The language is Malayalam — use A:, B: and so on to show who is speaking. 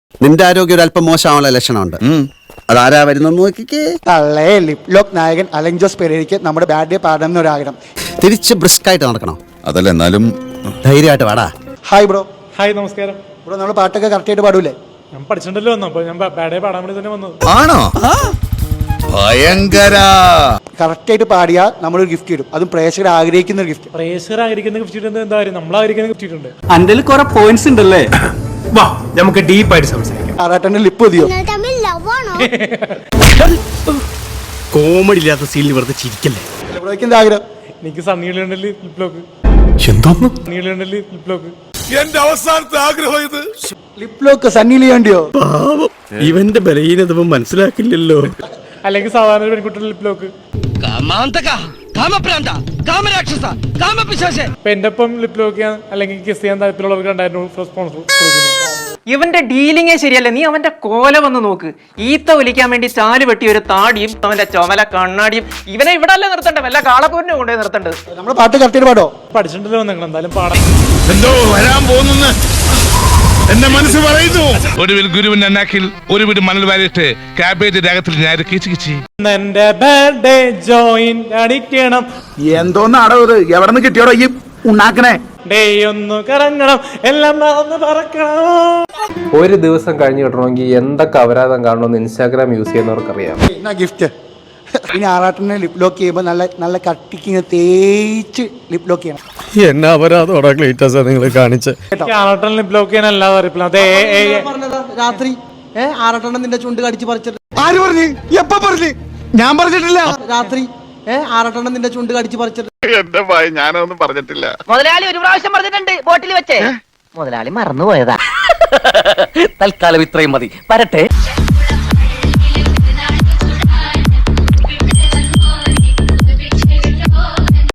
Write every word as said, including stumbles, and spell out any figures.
A: നിന്റെ ആരോഗ്യം ഒരു അല്പം മോശമാവുള്ള ലക്ഷണമുണ്ട്. അതാരാ വരുന്നെന്ന് നോക്കിക്കേ.
B: തള്ളേ ലിപ് ലോക്ക് നായകൻ അലൻ ജോസ് പെരേരയ്ക്ക് നമ്മുടെ ബാഡ് ഡേ പാടണം എന്നൊരാഗ്രഹം.
A: തിരിച്ച് ബ്രിസ്ക് ആയിട്ട് നടക്കണം.
C: അതല്ല, എന്നാലും
A: ധൈര്യമായിട്ട് വാടാ.
B: Hi bro.
D: ഹായ്, നമസ്കാരം
B: ബ്രോ, നമ്മൾ പാട്ടൊക്കെ കറക്റ്റ് ആയിട്ട് പാടൂലേ?
D: ഞാൻ പഠിച്ചിട്ടുണ്ടല്ലോ വന്നു, അപ്പൊ ഞാൻ ബാഡേ പാടാൻ വേണ്ടി തന്നെ വന്നത്.
C: ആണോ? ഭയങ്കര
B: കറക്റ്റ് ആയിട്ട് പാടിയാൽ നമ്മളൊരു ഗിഫ്റ്റ് ഇടും, അതും പ്രേക്ഷകർ ആഗ്രഹിക്കുന്ന ഒരു ഗിഫ്റ്റ്.
D: പ്രേക്ഷകർ ആയിരിക്കുന്ന ഗിഫ്റ്റ് ഇടുന്നത് എന്താ കാര്യം? നമ്മൾ ആയിരിക്കുന്ന ഗിഫ്റ്റ് ഇട്ടുണ്ട്.
E: അന്റെ കുറെ പോയിന്റ്സ് ഉണ്ടല്ലേ? വാ നമുക്ക് ഡീപ്പായിട്ട് സംസാരിക്കാം.
B: ആറാട്ടന്റെ ലിപ്പ് മതിയോ?
E: കോമഡി ഇല്ലാത്ത സീനിൽ വെറുതെ ചിരിക്കല്ലേ.
B: ബ്രോയ്ക്ക് എന്താ ആഗ്രഹം?
D: എനിക്ക് സണ്ണിയിലുണ്ടല്ലേ ലിപ് ലോക്ക്.
E: എന്തോന്നു
D: സണ്ണിയിലുണ്ടല്ലേ ലിപ് ലോക്ക്.
C: എന്റെ അവസാനത്തെ ആഗ്രഹം ഇത്.
B: ലിപ് ലോക്ക് സണ്ണിയിൽ ചെയ്യേണ്ടിയോ?
E: ഇവന്റെ ബലഹീനത മനസ്സിലാക്കില്ലല്ലോ.
D: അല്ലെങ്കിൽ സാധാരണ ഒരു പെൺകുട്ടിയുടെ ലിപ് ലോക്ക്. ഇപ്പൊ എന്റെ ഒപ്പം ലിപ് ലോക്ക് ചെയ്യാൻ അല്ലെങ്കിൽ കിസ് ചെയ്യാൻ താല്പര്യമുള്ളവർക്ക് രണ്ടായിരം റെസ്പോൺസ് കൊടുക്കുന്നു.
F: ഇവന്റെ ഡീലിംഗേ ശരിയല്ല. നീ അവന്റെ കോല വന്ന് നോക്ക്. ഈത്ത ഒലിക്കാൻ വേണ്ടി ചാല് വെട്ടി ഒരു താടിയും അവന്റെ ചുമല കണ്ണാടിയും. ഇവനെ ഇവിടെ അല്ലേ നിർത്തണ്ടേ, വല്ല കാളക്കൂരിനെ കൊണ്ടുപോയി നിർത്തേണ്ടത്.
B: നമ്മുടെ പാട്ട് കറക്റ്റ് ആയിട്ട് പാടോ?
D: പഠിച്ചിട്ടുണ്ടല്ലോ നിങ്ങൾ, എന്തായാലും പാടാം.
C: എന്തോ വരാൻ പോകുന്നു എന്റെ മനസ്സ് പറയുന്നു. ഒടുവിൽ ഗുരുവിന്റെ അന്നാക്കിൽ ഒരു വീട് മണൽ വാരിയിട്ട് കാബേജ് രാഗത്തിൽ ഞാൻ കിച്ചു കിച്ചി.
D: എന്റെ ബർത്ത്ഡേ ജോയിൻ അടിക്കണം.
G: എന്തോന്നാടോ ഇത്? എവിടെ നിന്ന് കിട്ടിയോടോ ഈ ഉണ്ടാക്കണേ?
D: ഡേ ഒന്ന് കറങ്ങണം, എല്ലാം ഒന്ന് പറക്കണം.
H: ഒരു ദിവസം കഴിഞ്ഞ് കിട്ടണമെങ്കിൽ എന്തൊക്കെ അപരാധം കാണണമെന്ന് ഇൻസ്റ്റാഗ്രാം യൂസ് ചെയ്യുന്നവർക്കറിയാം.
B: എന്നാ ഗിഫ്റ്റ്. ഇനി ആറാട്ടനെ ലിപ് ലോക്ക് ചെയ്യുമ്പോൾ നല്ല നല്ല കട്ടിക്ക് തേച്ച് ലിപ് ലോക്ക് ചെയ്യണം.
E: എന്നാ അപരാധോടാ ക്ലീറ്റസ് നിങ്ങൾ കാണിച്ച്.
D: ആറാട്ടൻ ലിപ് ലോക്ക് ചെയ്യാൻ അല്ലാതെ അറിയില്ല. അതെ,
B: രാത്രി ആറാട്ടെണ്ണം നിന്റെ ചുണ്ട് കടിച്ച് പറിച്ചിട്ട്.
G: ആര് പറഞ്ഞു? എപ്പ പറഞ്ഞു? ഞാൻ പറഞ്ഞിട്ടില്ല.
B: രാത്രി ആറാട്ടെണ്ണം നിന്റെ ചുണ്ട് കടിച്ച് പറിച്ചിട്ട്.
C: എന്റെ ഭയ ഞാനൊന്നും പറഞ്ഞിട്ടില്ല.
I: മുതലാളി ഒരു പ്രാവശ്യം പറഞ്ഞിട്ടുണ്ട് ബോട്ടിൽ വെച്ചേ. മുതലാളി മറന്നുപോയതാ. തൽക്കാലം ഇത്രയും മതി. വരട്ടെ.